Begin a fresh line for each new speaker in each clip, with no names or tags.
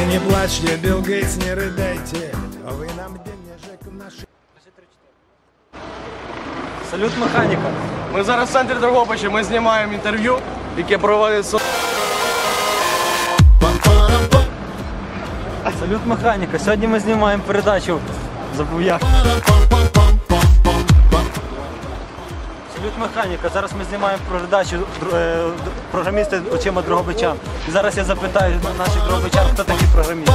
не плачьте, Билл Гейтс, не рыдайте, вы нам денежек в наши...
Салют механіка.
Ми зараз в центрі Дрогобича, ми знімаємо інтерв'ю, яке проводиться.
Салют механіка. Сьогодні ми знімаємо передачу. Забув як. Салют механіка. Зараз ми знімаємо передачу програмісти очима дрогобичан. І зараз я запитаю наших дрогобичан, хто такі програмісти.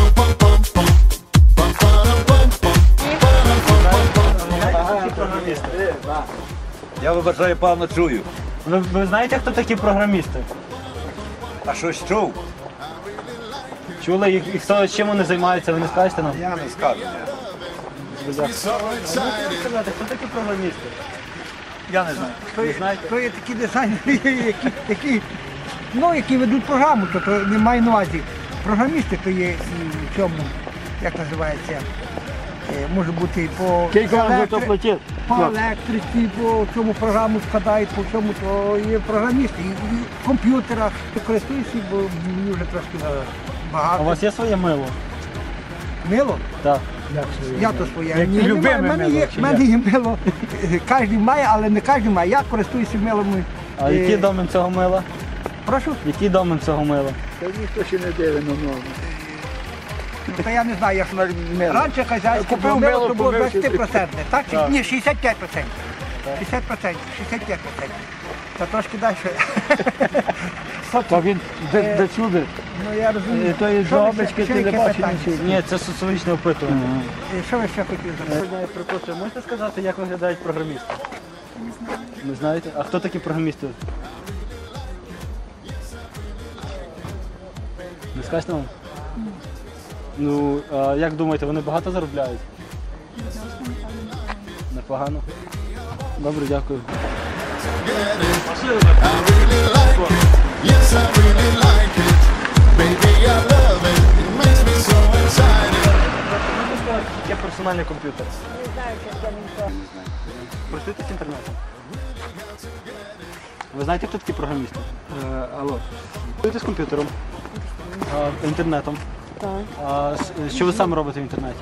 Я вибачаю, певно чую.
Ви знаєте, хто такі програмісти?
А щось чув?
Чули, і хто чим вони займаються, ви не скажете нам?
Я не скажу.
Можете сказати, хто такі програмісти?
Я не знаю.
Ви знаєте?
То є такі дизайнери, які ведуть програму, то не маю на увазі. Програмісти то є в цьому, як називається, може бути по електриці, по цьому програму складають, по цьому, то є програмісти. І в комп'ютерах користуюся, бо мені вже трошки багато.
А у вас є своє мило?
Мило?
Так.
Я то своє. В мене є мило. Кожен має, але не кожен має. Я користуюся милом.
А який домен цього мила?
Прошу?
Який домен цього мила?
Та ніхто ще не дивить на ногу.
Ну, та я не знаю, як раніше хазяйське було мило, то було 20%, так? Ні, 65%. 60%, 65%. Та трошки далі.
Та він де сюди?
Ну, я розумію.
То є Дрогобички, ти не бачиш нічого.
Ні, це соціологічне опитування.
Що ви ще хотіли запитати?
Я припустив, можете сказати, як виглядають програмісти? Не знаю. Не знаєте? А хто такі програмісти? Не скажете нам? Ну, а як думаєте, вони багато заробляють? Непогано. Добре, дякую. Є персональний комп'ютер.
Не знаю, що це не то.
Користуєтесь інтернетом? Ви знаєте, хто такі програмісти? Алло. Користуєтесь комп'ютером? Інтернетом?
Так.
Що ви саме робите в інтернеті?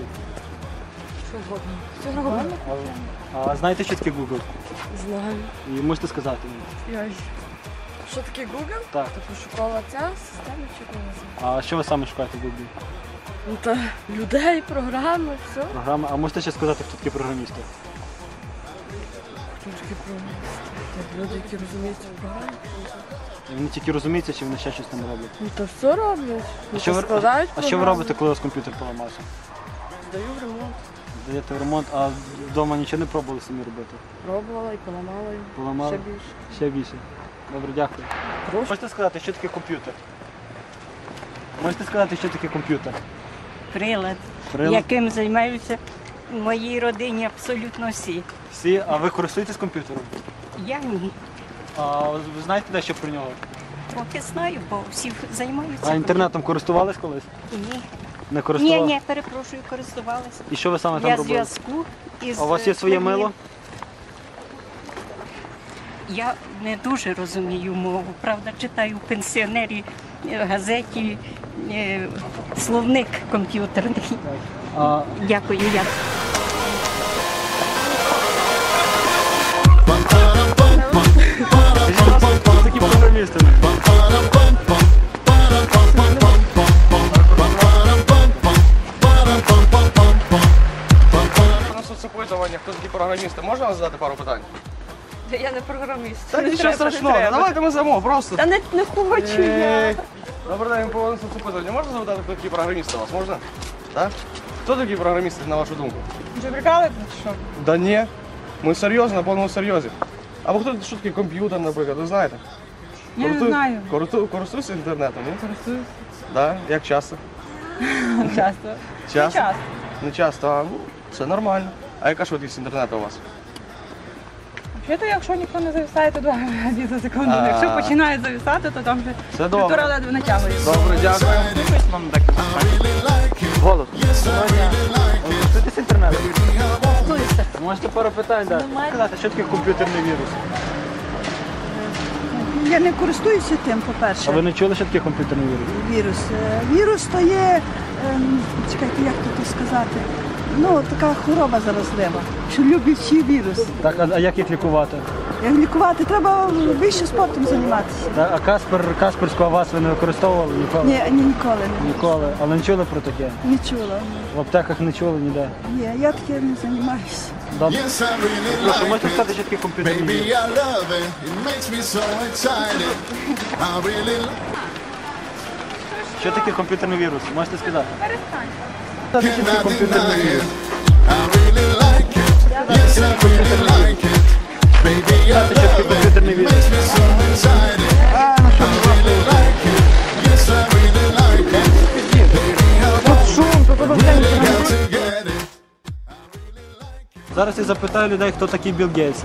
Що робимо?
А знаєте, що таке Google?
Знаю.
І можете сказати мені?
Що таке Google?
Так.
Це пошукова ця система чи не
А що ви саме шукаєте в Google?
Ну та людей, програми, все.
Програми. А можете ще сказати, хто такі програмісти?
Хто такі програмісти? Це люди, які розуміються в програмі.
І вони тільки розуміються, чи вони ще щось там роблять?
Ну та все роблять. Ну,
що
та
ви,
складають
а що ви
програми.
робите, коли у вас комп'ютер поламався?
Здаю в ремонт.
Даєте в ремонт, а вдома нічого не пробували самі робити?
Пробувала і поламала. І
Поламали?
ще більше.
Ще більше. Добре, дякую.
Прошу.
Можете сказати, що таке комп'ютер? Можете сказати, що таке комп'ютер?
Прилад,
Прилад?
яким займаються в моїй родині абсолютно всі.
Всі, а ви користуєтесь комп'ютером?
Я ні.
А ви знаєте дещо про нього?
Трохи знаю, бо всі займаються.
А інтернетом користувались колись?
Ні.
Не користувалися?
Ні, перепрошую, користувалася.
І що ви саме там
Для
робили?
зв'язку із...
А у вас є своє мило?
Я не дуже розумію мову. Правда, читаю в пенсіонері газеті словник комп'ютерний.
А,
Дякую, я.
такі програмісти.
На соцопитування, хто такі програмісти, можна вам задати пару питань?
Я не програміст.
Та нічого страшного, давайте ми замов, просто.
Та не хочу я.
Добрий день, по соцопитування. Можна запитати, хто такі програмісти у вас, можна? Так? Хто такі програмісти, на вашу думку?
Вже прикалуєте чи що?
Да ні, ми серйозно, на повному серйозі. Або хто що таке комп'ютер, наприклад, ви знаєте?
Я не знаю.
Користуюся інтернетом, ні?
Користуюсь
Так, як часто?
часто.
Часто?
Часто.
Не часто, а ну, це нормально. А яка швидкість інтернету у вас?
Взагалі, якщо ніхто не зависає, то 2 Мбіт за секунду.
А.
Якщо починає зависати, то там вже
Це добре.
півтора ледве натягує.
Добре, дякую.
Голос. Користуєтесь інтернетом?
Користуюся.
Можете пару питань дати? Сказати, що таке комп'ютерний вірус?
Я не користуюся тим,
А
по-перше.
ви не чули, що таке комп'ютерний вірус?
Вірус. Вірус то є, чекайте, як тут сказати, ну, така хвороба заразлива, що люблять всі вірус.
Так, а як їх лікувати?
Як лікувати, треба більше спортом займатися.
А Касперську Авас ви не використовували ніколи?
Ні, ніколи не.
Ніколи. Але не чули про таке?
Не чула.
В аптеках не чули ніде?
Ні, я таке не займаюся.
Добре.
Yes, I really
Прошу,
like
можете
it.
сказати, що таке комп'ютерний
Baby,
вірус?
I love it. It makes me so excited. I really like
Що таке комп'ютерний вірус? Можете сказати?
it. Cannot deny it. I really like it. Yes, I really like it. Baby, I love it. It makes me so excited. I really like it. Yes, I really like it. Baby, I really got to get it.
Зараз я запитаю людей, хто такий Білл Гейтс.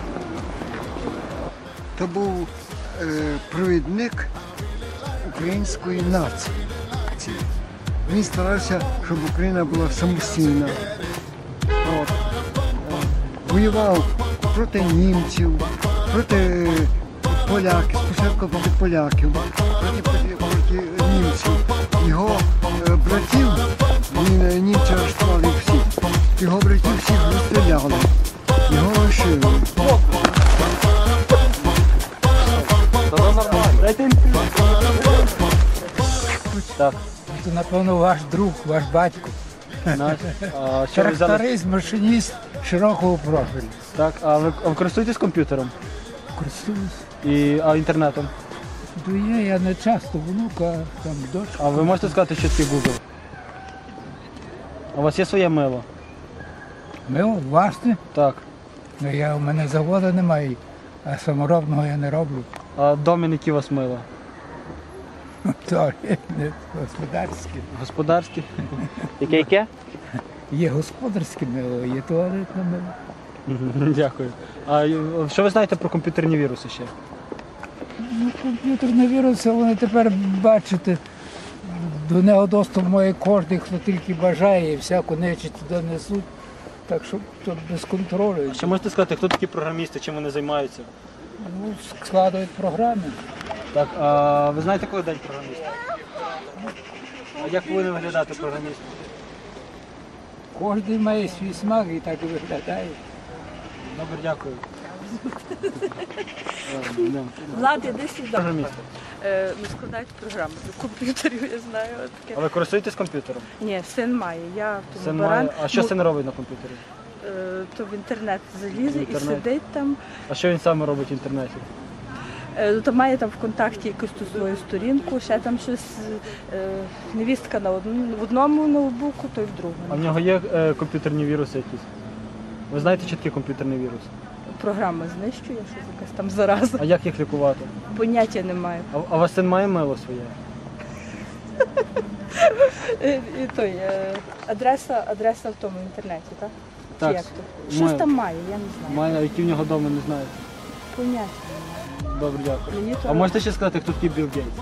То був провідник української нації. Він старався, щоб Україна була самостійна. От. Воював проти німців, проти поляків, спочатку проти поляків, проти німців. Його братів, німці арештували всіх, його братів всіх розстріляли, його лишили.
Так.
Це, напевно, ваш друг, ваш батько.
А що ви взяли?
Тракторист, машиніст широкого профілю.
Так, а ви користуєтесь комп'ютером?
Користуюсь.
А інтернетом?
То є, я не часто, внука, там дочка.
А ви можете сказати, що таке Google? А у вас є своє мило?
Мило, власне,
Так.
у мене заводу немає, а саморобного я не роблю.
А домін, які у вас мило?
То не господарське.
Господарські? Яке?
Є господарське мило, є туалетне мило.
Дякую. А що ви знаєте про комп'ютерні віруси ще?
Ну, комп'ютерні віруси, вони тепер, бачите, до нього доступ має кожен, хто тільки бажає, і всяку нечисть туди несуть. Так що тут без контролю.
Ще можете сказати, хто такі програмісти, чим вони займаються?
Ну, складають програми.
Так, а ви знаєте, коли день програміста? А як повинен виглядати програміст?
Кожен має свій смак і так і виглядає.
Добре, дякую.
Влад, іди сюди.
Програмісти.
Ну, складають програми до комп'ютерів, я знаю. Таке.
А ви користуєтесь комп'ютером?
Ні, син має. Я в
Син
тому
має.
баран.
А що син робить на комп'ютері?
То в інтернет залізе
В
і
інтернет.
сидить там.
А що він саме робить в інтернеті?
То має там ВКонтакті якусь ту свою сторінку, ще там щось, невістка в одному ноутбуку, то й в
А в
другому.
нього є комп'ютерні віруси якісь? Ви знаєте, що таке комп'ютерний вірус?
Програма знищує, щось якась там зараза.
А як їх лікувати?
Поняття немає.
А у вас син має мило своє?
І той, адреса в тому інтернеті, так? Чи
Так,
як то?
має.
Щось там має, я не знаю.
Має, а які в нього вдома, не знаєте?
Поняття.
Добре, дякую.
Мені то
А можете ще сказати, хто такий Білл Гейтс?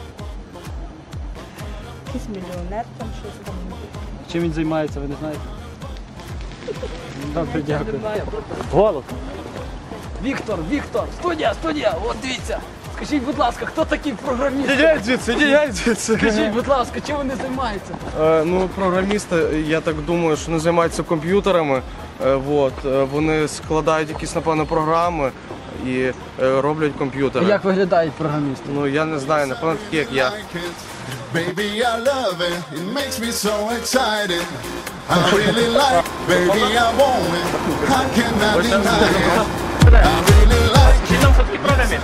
якийсь мільйонер, там щось там.
Чим він займається, ви не знаєте? Добре, дякую.
Немає.
Голос.
Віктор, студія, от дивіться. Скажіть, будь ласка, хто такий програміст?
Ідіть звідси.
Скажіть, будь ласка, чим вони займаються?
Ну, програмісти, я так думаю, що не займаються комп'ютерами. Вони складають якісь, напевно, програми і роблять комп'ютери.
Як виглядають програмісти?
Ну, я не знаю, напевно, такі, як я.
Baby, I love it. It makes me so excited. I really like it. Baby, I want it. I cannot deny it. I really like it.
Хто такий програміст?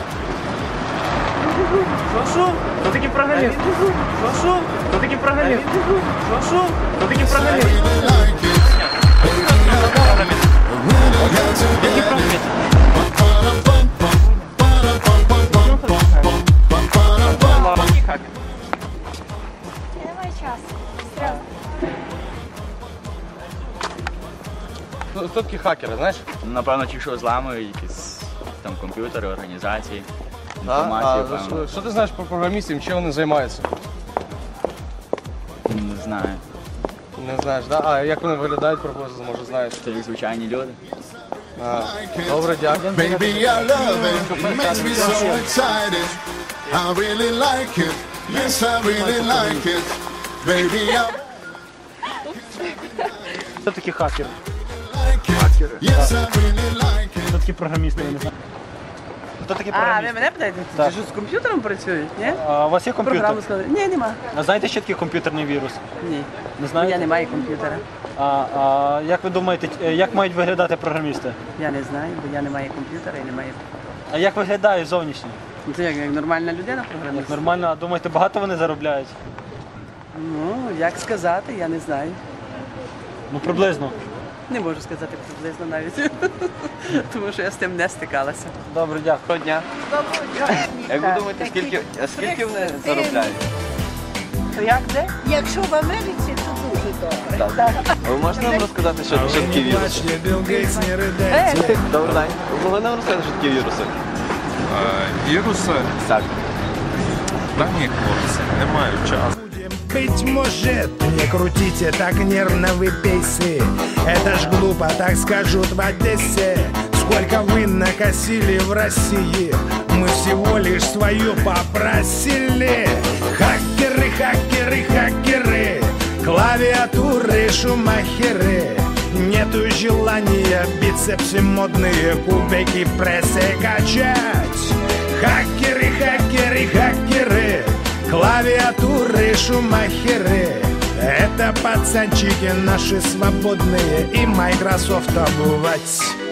Що? Хто такий програміст? Що? Хто такий програміст? Що? Хто такий
I
програміст?
really like it. Baby, I want it. Really got to get it.
Я не маю часу.
Хто такі хакери, знаєш?
Напевно, ті, що зламують якісь там комп'ютери, організації,
А
інформацію, певно.
що ти знаєш про програмістів, чим вони займаються?
Не знаю.
Не знаєш, да? А як вони виглядають, приблизно, може, знаєш?
Це як звичайні люди.
Добре, дякую.
Baby, I love it. It makes me so excited. I really like it. Yes, I really like it. Baby, I
Хто такі хакери?
like it. Yes, I really like it.
Хто такі програмісти, я не знаю. Хто такі
А, ви
програмісти?
мене питаєте?
Так.
Чи що з комп'ютером працюють? Ні?
А у вас є комп'ютер?
Програму складають? Ні, нема.
А знаєте, що таке комп'ютерний вірус?
Ні.
Не знаєте?
Я не маю комп'ютера.
А як ви думаєте, як мають виглядати програмісти?
Я не знаю, бо я не маю комп'ютера і не маю.
А як виглядає зовнішньо?
Ну, це як нормальна людина
Як
програміст?
нормально, а думаєте, багато вони заробляють?
Ну, як сказати, я не знаю.
Ну, приблизно.
Не можу сказати приблизно навіть. Тому що я з тим не стикалася.
Добре, дякую.
Дня. Як ви думаєте, скільки вони заробляють?
То як де?
Якщо в Америці, то дуже добре.
Ви можете нам розказати, що такі віруси? Добрий день. Ви могли нам розказати, що такі віруси?
Віруси?
Так.
Та ні, хлопці, не маю часу.
Быть может, не крутите так нервно вы пейсы. Это ж глупо, так скажут в Одессе. Сколько вы накосили в России, мы всего лишь свою попросили. Хакеры, хакеры, хакеры, клавиатуры, шумахеры. Нету желания бицепсы модные, кубики прессы качать. Хакеры, хакеры, хакеры, клавиатуры, шумахеры. Это пацанчики наши свободные, и Microsoft обувать.